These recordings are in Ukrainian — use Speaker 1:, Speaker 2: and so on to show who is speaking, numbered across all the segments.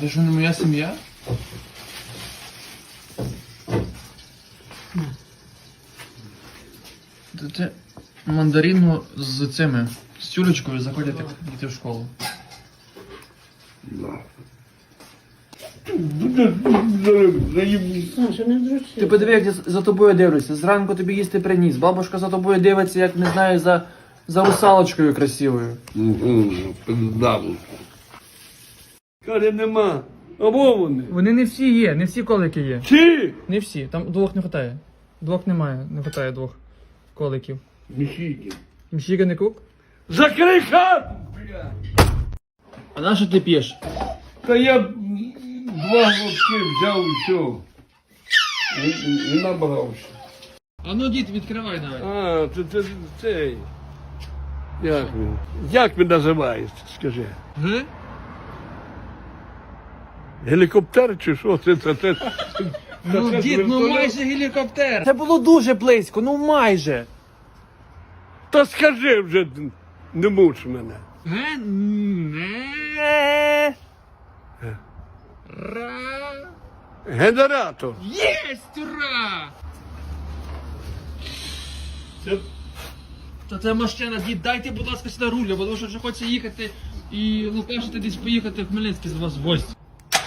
Speaker 1: Це що, не моя сім'я? Це мандарину з цими, з тюлечкою заходять як діти в школу. Ти подиви, як я за тобою дивлюся. Зранку тобі їсти приніс. Бабушка за тобою дивиться, як, не знаю, за русалочкою красивою.
Speaker 2: Каже, нема. Або вони.
Speaker 1: Вони не всі є, не всі колики є.
Speaker 2: Чи?
Speaker 1: Не всі, там двох не вистачає. Двох немає, не вистачає двох коликів.
Speaker 2: Міхіки.
Speaker 1: Мщіка не кук?
Speaker 2: Закрий хату, бля.
Speaker 1: А на що ти п'єш?
Speaker 2: Та я 2 глотки взяв і все. І набрався.
Speaker 1: А ну дід, відкривай давай.
Speaker 2: А, це цей. Як він називається, скажи?
Speaker 1: Г?
Speaker 2: Гелікоптер чи що? Це
Speaker 1: Ну дід, ну майже гелікоптер. Це було дуже близько, ну майже.
Speaker 2: Та скажи вже, не муч мене.
Speaker 1: Г? Ра.
Speaker 2: Генератор.
Speaker 1: Єсть, ура!
Speaker 2: Це
Speaker 1: Та це машина, дід, дайте, будь ласка, сюди руля, бо тому що вже хочеться їхати і лукашити десь поїхати в Хмельницький з вас в гості.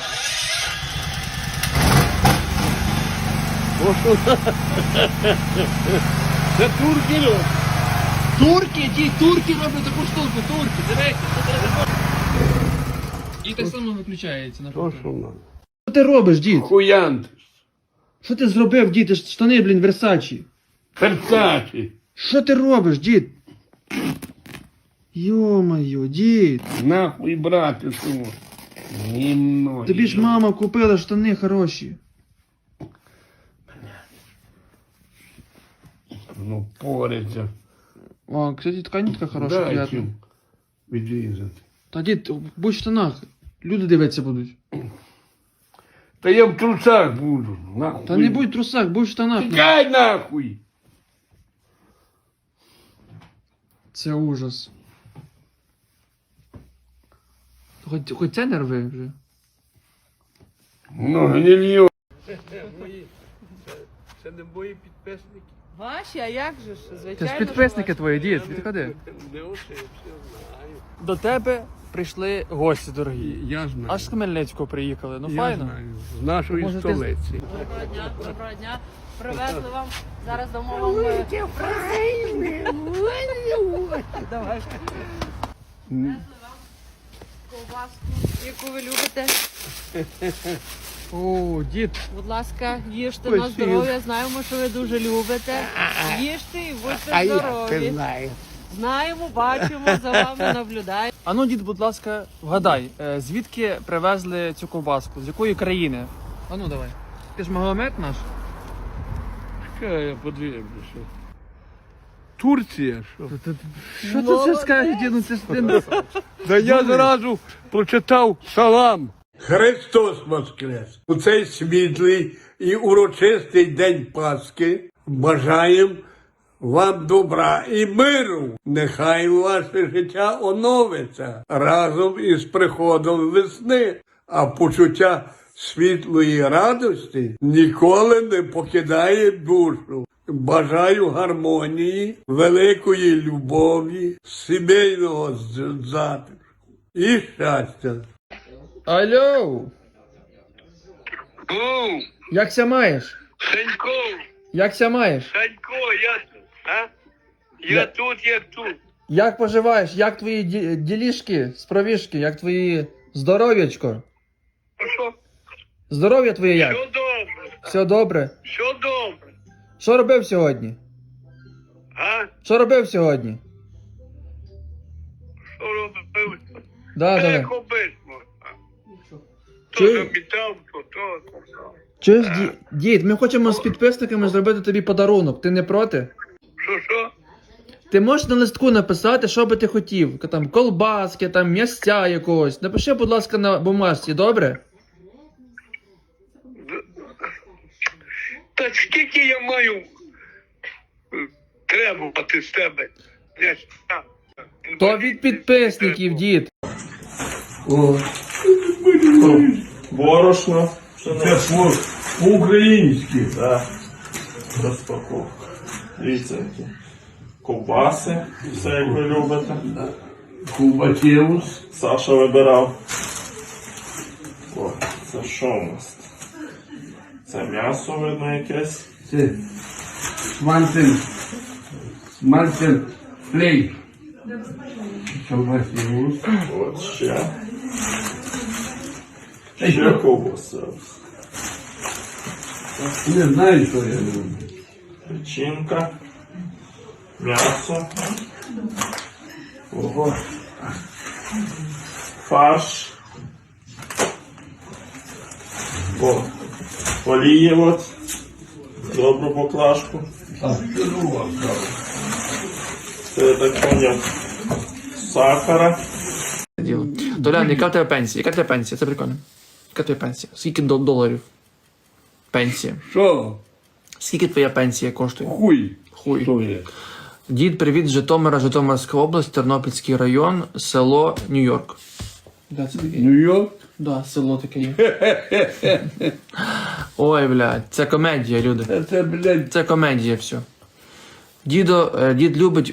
Speaker 2: Це турки.
Speaker 1: Турки, дід, турки роблять таку штуку, турки, дивіться, це треба. І так само виключається на
Speaker 2: То що нам?
Speaker 1: Що ти робиш, дід?
Speaker 2: Хуянт.
Speaker 1: Що ти зробив, дід? Ти ж штани, блін, Версачі.
Speaker 2: Перцачі.
Speaker 1: Що ти робиш, дід? Йо-моє, дід.
Speaker 2: Нахуй брати суму.
Speaker 1: Тобі ж мама купила штани хороші.
Speaker 2: Ну, пориться.
Speaker 1: О, кстати, тканітка хороша,
Speaker 2: Дай
Speaker 1: приятна.
Speaker 2: чим відрізати.
Speaker 1: Та дід, будь в штанах. Люди дивитися будуть.
Speaker 2: Та я в трусах буду. Нахуй.
Speaker 1: Та не будь в трусах, будь в штанах.
Speaker 2: Тікай нахуй.
Speaker 1: Це ужас. Хоч це не рви вже.
Speaker 2: Ну, гнильо. Це не мої підписники.
Speaker 3: Ваші, а як же ж?
Speaker 1: Це
Speaker 3: Звичайно.
Speaker 1: ж підписники твої, дід, відходи.
Speaker 2: Не оце, я все знаю.
Speaker 1: До тебе прийшли гості дорогі.
Speaker 2: Я знаю.
Speaker 1: Аж з Хмельницького приїхали, ну
Speaker 2: Я
Speaker 1: файно.
Speaker 2: знаю. З нашої
Speaker 1: Може, ти-
Speaker 2: столиці.
Speaker 3: Доброго дня, доброго дня. Привезли вам. Зараз дамо вам. Давай. Ковбаску, яку ви любите.
Speaker 1: О, дід.
Speaker 3: Будь ласка, їжте на
Speaker 2: Спасибо.
Speaker 3: здоров'я. Знаємо, що ви дуже любите. Їжте і будьте здорові.
Speaker 2: знаю.
Speaker 3: Знаємо, бачимо, за вами наблюдаємо.
Speaker 1: А ну, дід, будь ласка, вгадай, звідки привезли цю ковбаску? З якої країни? А ну давай. Ти ж Магомед наш?
Speaker 2: Чекай, я подивлюся. Турція, що?
Speaker 1: Що ти це скажеш, дід? Ну це ж ти...
Speaker 2: Та я зразу прочитав салам. Христос Воскрес! У цей світлий і урочистий день Пасхи бажаємо вам добра і миру. Нехай ваше життя оновиться разом із приходом весни, а почуття світлої радості ніколи не покидає душу. Бажаю гармонії, великої любові, сімейного затишку і щастя.
Speaker 1: Алло! Якся маєш?
Speaker 2: Санько,
Speaker 1: Якся маєш?
Speaker 2: Санько, я тут, як тут.
Speaker 1: Як поживаєш? Як твої ділішки, справішки? Як твої здоров'ячко?
Speaker 2: Що?
Speaker 1: Здоров'я твоє як?
Speaker 2: Все добре,
Speaker 1: Все добре?
Speaker 2: все добре.
Speaker 1: Що робив сьогодні?
Speaker 2: А?
Speaker 1: Що робив сьогодні?
Speaker 2: Що робив?
Speaker 1: Да, давай.
Speaker 2: Як обично. То
Speaker 1: Чи-
Speaker 2: замітав, то.
Speaker 1: Чуєш, дід, ми хочемо з підписниками зробити тобі подарунок. Ти не проти?
Speaker 2: Що?
Speaker 1: Ти можеш на листку написати, що би ти хотів. Там колбаски, там м'ясця якогось. Напиши, будь ласка, на бумажці, добре?
Speaker 2: Та скільки я маю требувати з тебе?
Speaker 1: То від підписників, дід.
Speaker 2: О,
Speaker 4: Борошно.
Speaker 2: Це
Speaker 4: Пшеничне.
Speaker 2: по-українськи.
Speaker 4: Так. Розпаковка. Дивіться, які ковбаси. Все як ви любите.
Speaker 2: Кубатєвус.
Speaker 4: Саша вибирав. О, це що у нас? Це м'ясо, видно, якесь.
Speaker 2: Це смальцем флей. Кубатєвус.
Speaker 4: От ще. Ще ковбаса.
Speaker 2: Не знаю, що я люблю.
Speaker 4: Печінка. М'ясо. Ого. Фарш. О, олії от. Добру поклажку.
Speaker 2: А що у вас там?
Speaker 4: Це я так поняв. Сахара.
Speaker 1: Діло. Толян, яка в тебе пенсія? Яка в тебе пенсія? Це прикольно. Яка в тебе пенсія? Скільки доларів? Пенсія.
Speaker 2: Що?
Speaker 1: Скільки твоя пенсія коштує?
Speaker 2: Хуй.
Speaker 1: Хуй.
Speaker 2: Що є?
Speaker 1: Дід, привіт з Житомира, Житомирська область, Тернопільський район, село Нью-Йорк. Да, це таке.
Speaker 2: Нью-Йорк?
Speaker 1: Да, село таке є. Ой, блядь, це комедія, люди.
Speaker 2: Це, блядь,
Speaker 1: Це комедія, все. Дід любить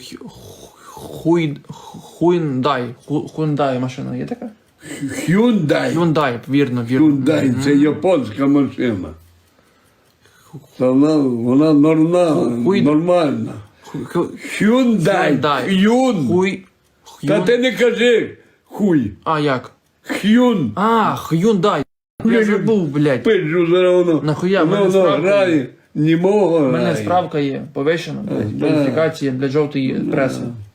Speaker 1: Hyundai машина, є така?
Speaker 2: Hyundai.
Speaker 1: Hyundai, вірно.
Speaker 2: Hyundai, це японська машина. Та вона нормальна. Hyundai. Hyun. Та ти не кажи хуй.
Speaker 1: А, як?
Speaker 2: Hyun.
Speaker 1: А, Hyundai. Я забув, блядь.
Speaker 2: Пиджу зараз воно.
Speaker 1: Нахуя, в мене
Speaker 2: Воно
Speaker 1: справка
Speaker 2: грає. Німого
Speaker 1: У мене
Speaker 2: грає.
Speaker 1: справка є, повищена, блядь, кваліфікація для жовтої преси.